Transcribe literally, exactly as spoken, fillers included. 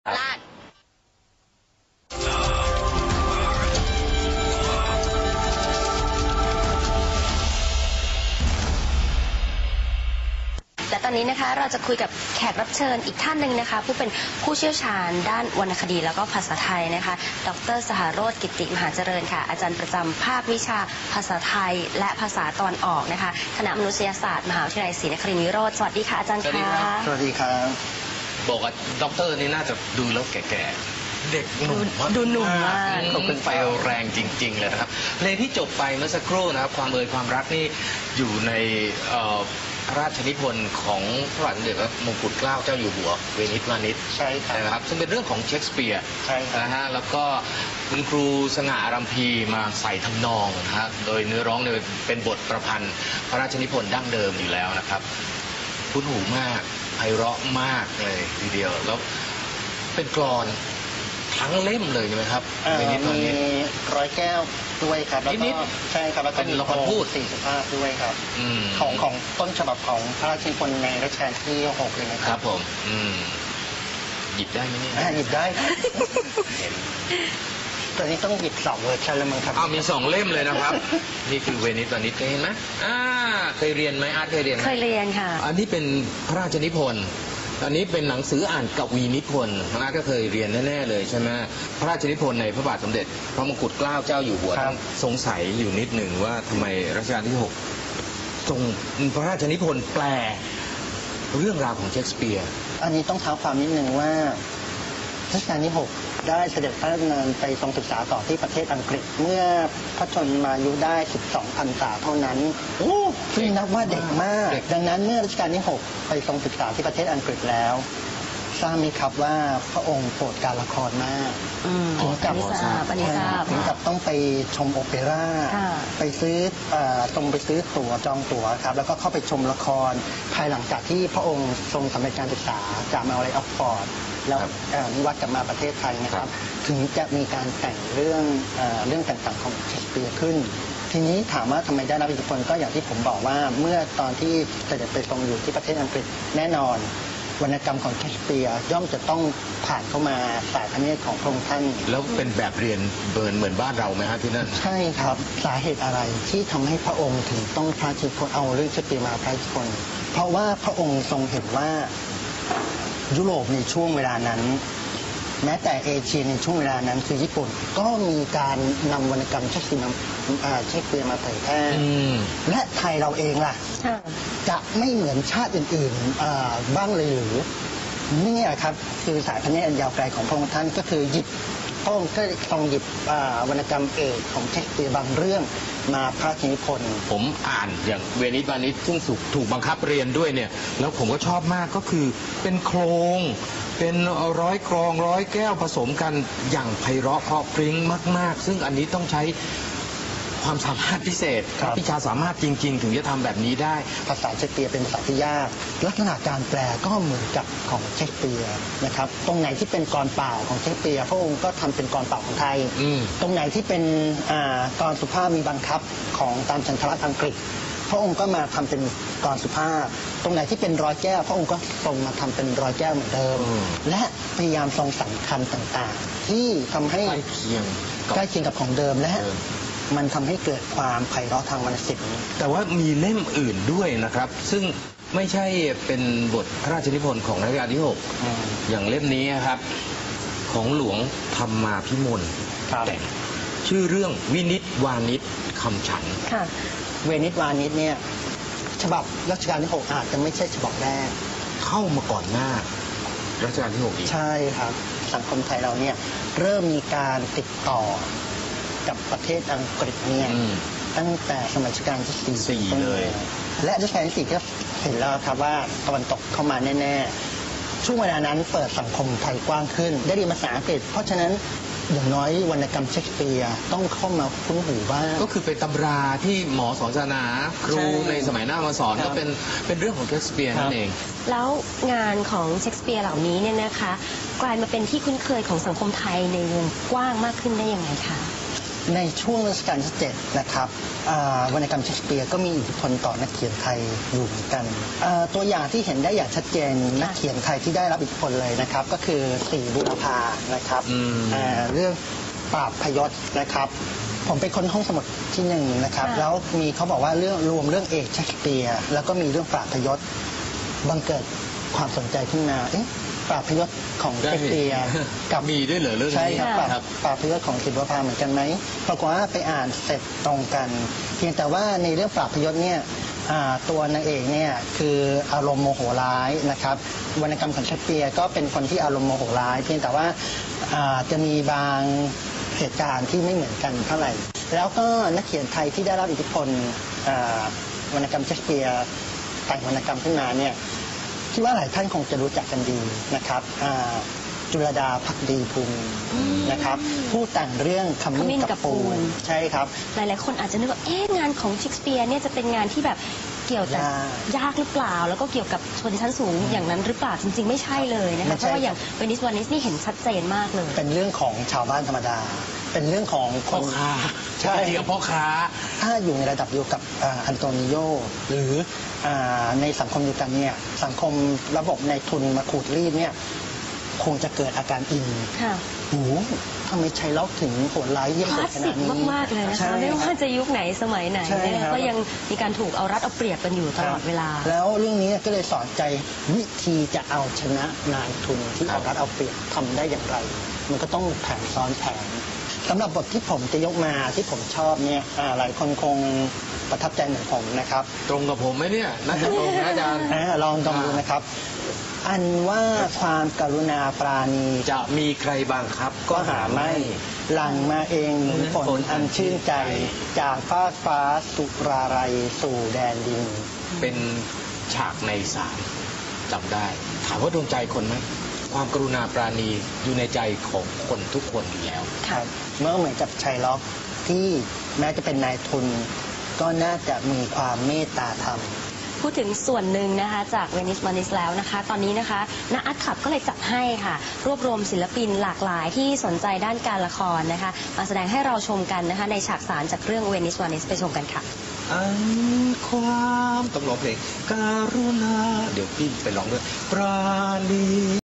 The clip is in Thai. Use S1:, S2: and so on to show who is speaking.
S1: ลาดและตอนนี้นะคะเราจะคุยกับแขกรับเชิญอีกท่านหนึ่งนะคะผู้เป็นผู้เชี่ยวชาญด้านวรรณคดีแล้วก็ภาษาไทยนะคะดร.สหโรจน์ กิติมหาเจริญค่ะอาจารย์ประจำภาควิชาภาษาไทยและภาษาตะวันออกนะคะคณะมนุษยศาสตร์มหาวิทยาลัยศรีนครินทร์วิโรจน์สวัสดีค่ะอาจารย์ค่ะ
S2: สวัสดีครับ
S3: บอกว่าด็อกเตอร์นี่น่าจะดูแล้วแก่ๆเด็กหนุ่มมาก
S1: ดูหนุ่มมาก
S3: เป็นไฟแรงจริงๆเลยนะครับเพลงที่จบไปเมื่อสักครู่นะครับความเอ่ยความรักนี่อยู่ในพระราชนิพนธ์ของพระบาทสมเด็จพระมงกุฎเกล้าเจ้าอยู่หัวเวนิสวานิช
S2: ใช่
S3: ครับซึ่งเป็นเรื่องของเชคสเปียร์นะฮะแล้วก็คุณครูสง่าอารัมพีมาใส่ทำนองนะฮะโดยเนื้อร้องเนี่ยเป็นบทประพันธ์พระราชนิพนธ์ดั้งเดิมอยู่แล้วนะครับคุ้นหูมากไพเราะมากเลยทีเดียวแล้วเป็นกลอนทั้งเล่มเลยใช่ไหมครับ
S2: มีร้อยแก้วด้วยครับแล้วก็ใช่ครับแล้วก็
S3: มีละครพูด
S2: สี่สุภาพด้วยครับของของต้นฉบับของพระราชนิพนธ์ในรัชกาลที่หกเลยนะค
S3: รับผมหยิบได้ไหมเนี่ย
S2: หยิบได้เห็นตอนนี้ต้องหยิบสองเวอร์ชันแล้วมั้งครับ
S3: อ้าวมีสองเล่มเลยนะครับนี่คือเวนิสวานิชเคยเห็นไหมอ่าเคยเรียนไหมอาร์ตเคยเรียน
S1: เคยเรียนค่ะ
S3: อันนี้เป็นพระราชนิพนธ์อันนี้เป็นหนังสืออ่านกวีนิพนธ์น้าก็เคยเรียนแน่ๆเลยใช่ไหมพระราชนิพนธ์ในพระบาทสมเด็จพระมงกุฎเกล้าเจ้าอยู่หัวสงสัยอยู่นิดหนึ่งว่าทำไมรัชกาลที่หกทรงพระราชนิพนธ์แปลเรื่องราวของเชคสเปียร์
S2: อันนี้ต้องเท้าความนิดหนึ่งว่ารัชกาลที่หกได้เสด็จพระราชดำเนินไปทรงศึกษาต่อที่ประเทศอังกฤษเมื่อพระชนมายุได้สิบสองพรรษาเท่านั้นซึ่งนับว่าเด็กมากดังนั้นเมื่อรัชกาลที่หกไปทรงศึกษาที่ประเทศอังกฤษแล้วทราบไหมครับว่าพระองค์โปรดการละครมากถึงกับถึงกับต้องไปชมโอเปร่าไปซื้อตรงไปซื้อตั๋วจองตั๋วครับแล้วก็เข้าไปชมละครภายหลังจากที่พระองค์ทรงสำเร็จการศึกษาจากมหาวิทยาลัยออกฟอร์ดแล้วนิวัตกลับมาประเทศไทยนะครับถึงจะมีการแต่งเรื่องเรื่องต่างๆของเชคสเปียร์ขึ้นทีนี้ถามว่าทำไมได้รับอิทธิพลก็อย่างที่ผมบอกว่าเมื่อตอนที่เสด็จไปทรงอยู่ที่ประเทศอังกฤษแน่นอนวรรณกรรมของเชคสเปียร์ย่อมจะต้องผ่านเข้ามาสายพระเนตรของพระองค์ท่าน
S3: แล้วเป็นแบบเรียนเบิร์นเหมือนบ้านเราไหมฮะที่นั่น
S2: ใช่ครับสาเหตุอะไรที่ทำให้พระองค์ถึงต้องพระราชนิพนธ์เอาเรื่องเชคสเปียร์มาพระราชนิพนธ์เพราะว่าพระองค์ทรงเห็นว่ายุโรปในช่วงเวลานั้นแม้แต่เอเชียในช่วงเวลานั้นคือญี่ปุ่นก็มีการนำวรรณกรรมเชคสเปียร์เชคสเปียร์มาเผยแพร่และไทยเราเองล่ะจะไม่เหมือนชาติอื่นๆบ้างเลยหรือนี่แหละครับคือสายพระเนตรอันยาวไกลของพระองค์ท่านก็คือหยิบพระองค์ก็ทรงหยิบวรรณกรรมเอกของเชคสเปียร์บางเรื่องมาพระราชนิพนธ์
S3: ผมอ่านอย่างเวนิสวานิชซึ่งถูกบังคับเรียนด้วยเนี่ยแล้วผมก็ชอบมากก็คือเป็นโครงเป็นร้อยกรองร้อยแก้วผสมกันอย่างไพเราะเพราะพริ้งมากๆซึ่งอันนี้ต้องใช้ความสามารถพิเศษพิชาสามารถจริงๆถึงจะทำแบบนี้ได้
S2: ภาษาเชคสเปียร์เป็นภาษาที่ยากลักษณะการแปลก็เหมือนกับของเชคสเปียร์นะครับตรงไหนที่เป็นกลอนเปล่าของเชคสเปียร์พระองค์ก็ทำเป็นกลอนเปล่าของไทยตรงไหนที่เป็นกลอนสุภาพมีบังคับของตามฉันทรัตน์อังกฤษพระองค์ก็มาทำเป็นกลอนสุภาพตรงไหนที่เป็นร้อยแก้วพระองค์ก็ทรงมาทำเป็นร้อยแก้วเหมือนเดิมและพยายามทรงสำคัญต่างๆที่ทำให้
S3: ใกล้เคียง
S2: ใกล้เคียงกับของเดิมและมันทำให้เกิดความไพเราะทางวรรณศิลป์
S3: แต่ว่ามีเล่มอื่นด้วยนะครับซึ่งไม่ใช่เป็นบทพระราชนิพนธ์ของรัชกาลที่หกอย่างเล่มนี้ครับของหลวงธรรมาภิมลแต่งชื่อเรื่องวินิจวานิชคำฉัน
S2: เวนิสวานิชเนี่ยฉบับรัชกาลที่หกอาจจะไม่ใช่ฉบับแรก
S3: เข้ามาก่อนหน้ารัชกาลที่หกอีก
S2: ใช่ครับสังคมไทยเราเนี่ยเริ่มมีการติดต่อกับประเทศอังกฤษเนี่ยตั้งแต่สมัยรัชกาลที่สี่
S3: เลย
S2: และรัชกาลที่สี่ก็เห็นแล้วครับว่าตะวันตกเข้ามาแน่ๆช่วงเวลานั้นเปิดสังคมไทยกว้างขึ้นได้เรียนภาษาอังกฤษเพราะฉะนั้นอย่างน้อยวรรณกรรมเชคสเปียร์ต้องเข้ามาคุ้นหูบ้าง
S3: ก็คือเป็นตำราที่หมอสอนศาสนาครูในสมัยหน้ามาสอนก็เป็นเป็นเรื่องของเชคสเปียร์นั่นเอง
S1: แล้วงานของเชคสเปียร์เหล่านี้เนี่ยนะคะกลายมาเป็นที่คุ้นเคยของสังคมไทยในวงกว้างมากขึ้นได้ยังไงคะ
S2: ในช่วงรัชกาลที่เจ็ดนะครับอ่าวรรณกรรมเชคสเปียร์ก็มีอิทธิพลต่อนักเขียนไทยอยู่เหมือนกันอ่าตัวอย่างที่เห็นได้อย่างชัดเจนนักเขียนไทยที่ได้รับอิทธิพลเลยนะครับก็คือศรีบุรพานะครับ
S3: อืม
S2: อ่าเรื่องปราบพยศนะครับผมไปค้นห้องสมุดที่หนึ่งนะครับ
S1: ค่ะ
S2: แล้วมีเขาบอกว่าเรื่องรวมเรื่องเอกเชคสเปียร์แล้วก็มีเรื่องปราบพยศบังเกิดความสนใจขึ้นมาเอ๊ะปราบพยศของเชคสเปียร์กับ
S3: มีด้วยเหรอเรื่องนี้
S2: ใช่ครับปราบ
S3: ครับ
S2: ปราบพยศของศรีบุรพาเหมือนกันไหมปรากฏว่าไปอ่านเสร็จตรงกัน เพียงแต่ว่าในเรื่องปราบพยศเนี่ยอ่าตัวนางเอกเนี่ยคืออารมณ์โมโหร้ายนะครับวรรณกรรมของเชคสเปียร์ก็เป็นคนที่อารมณ์โมโหร้าย เพียงแต่ว่าอ่าจะมีบางเหตุการณ์ที่ไม่เหมือนกันเท่าไหร่ แล้วก็นักเขียนไทยที่ได้รับอิทธิพลอ่าวรรณกรรมเชคสเปียร์แต่งวรรณกรรมขึ้นมาเนี่ยคิดว่าหลายท่านคงจะรู้จักกันดีนะครับอ่าจุลดาภักดีภูมินะครับผู้แต่งเรื่องข
S1: ขมิ้
S2: มิ้
S1: น
S2: น
S1: กั
S2: กั
S1: บบ ปู
S2: ปู
S1: น
S2: นใช่ครับ
S1: หลายๆคนอาจจะนึกว่าเอ๊ะงานของเชคสเปียร์เนี่ยจะเป็นงานที่แบบเกี่ยวแต่
S2: ยาก
S1: ยากหรือเปล่า แล้วก็เกี่ยวกับชนชั้นสูงอย่างนั้นหรือเปล่าจริง ๆ ไม่ใช่เลยนะ
S2: ไม่
S1: คะเพ
S2: ใช่
S1: ราะว่าอย่างเวนิสวานิสนี่เห็นชัดเจนมากเลย
S2: เป็นเรื่องของชาวบ้านธรรมดา เป็นเรื่องของค
S3: พ่อน ค้า
S2: ใช่
S3: จริงๆกับพ่อค้า
S2: ถ้าอยู่ในระดับเดียวกับอ่าอันโตนิโยหรืออาในสังคมเดียวกันเนี่ยสังคมระบบในทุนมาขูดรีดเนี่ยคงจะเกิดอาการอิน
S1: ค่ะ
S2: โอ้โหทำไมชัยล็อกถึงโหดร้ายเยี่ยม
S1: ค
S2: โห
S1: ลา
S2: ด
S1: ส
S2: ข
S1: สิ
S2: นาก ดนี้
S1: มาก ๆ เลยนะ
S2: ใช่
S1: คะ ไม่
S2: ค
S1: ว่า
S2: รับ
S1: จะยุคไหนสมัยไหน
S2: ใช่
S1: เนี่ย
S2: ครับ
S1: ก็ยังมีการถูกเอารัดเอาเปรียบกันอยู่ตลอดเวลา
S2: แล้วเรื่องนี้ก็เลยสอนใจวิธีจะเอาชนะนายทุนที่
S3: ครั
S2: เอา
S3: บ
S2: รัดเอาเปรียบทำได้อย่างไร มันก็ต้องแผนซ้อนแผนสำหรับบทที่ผมจะยกมาที่ผมชอบเนี่ยอ่าหลายคนคงประทับใจเหมือนผมนะครับ
S3: ตรงกับผมไหมเนี่ยน่าจะตรงนะอาจารย์
S2: อ่าลองดมดูนะครับ อันว่าความกรุณาปราณี
S3: จะมีใครบ้างครับ
S2: ก็หาไม่ หลังมาเองหนุนฝนอันชื่นใจ จากฟ้ากฟ้าสุราไรสู่แดนดิน
S3: เป็นฉากในสามจำได้ ถามว่าดวงใจคนไหม ความกรุณาปราณีอยู่ในใจของคนทุกคนอยู่แล้ว
S2: ครับเมื่อเหมือนกับชัยล็อกที่แม้จะเป็นนายทุน ก็น่าจะมีความเมตตาธรรม
S1: พูดถึงส่วนหนึ่งนะคะจากเวนิสวานิสแล้วนะคะ ตอนนี้นะคะณอาร์ตคลับก็เลยจัดให้ค่ะ รวบรวมศิลปินหลากหลายที่สนใจด้านการละครนะคะ มาแสดงให้เราชมกันนะคะ ในฉากสารจากเรื่องเวนิสวานิสไปชมกันค่ะ
S3: อันความต้องร้องเพลงการุณา เดี๋ยวพี่ไปร้องด้วย ปราณี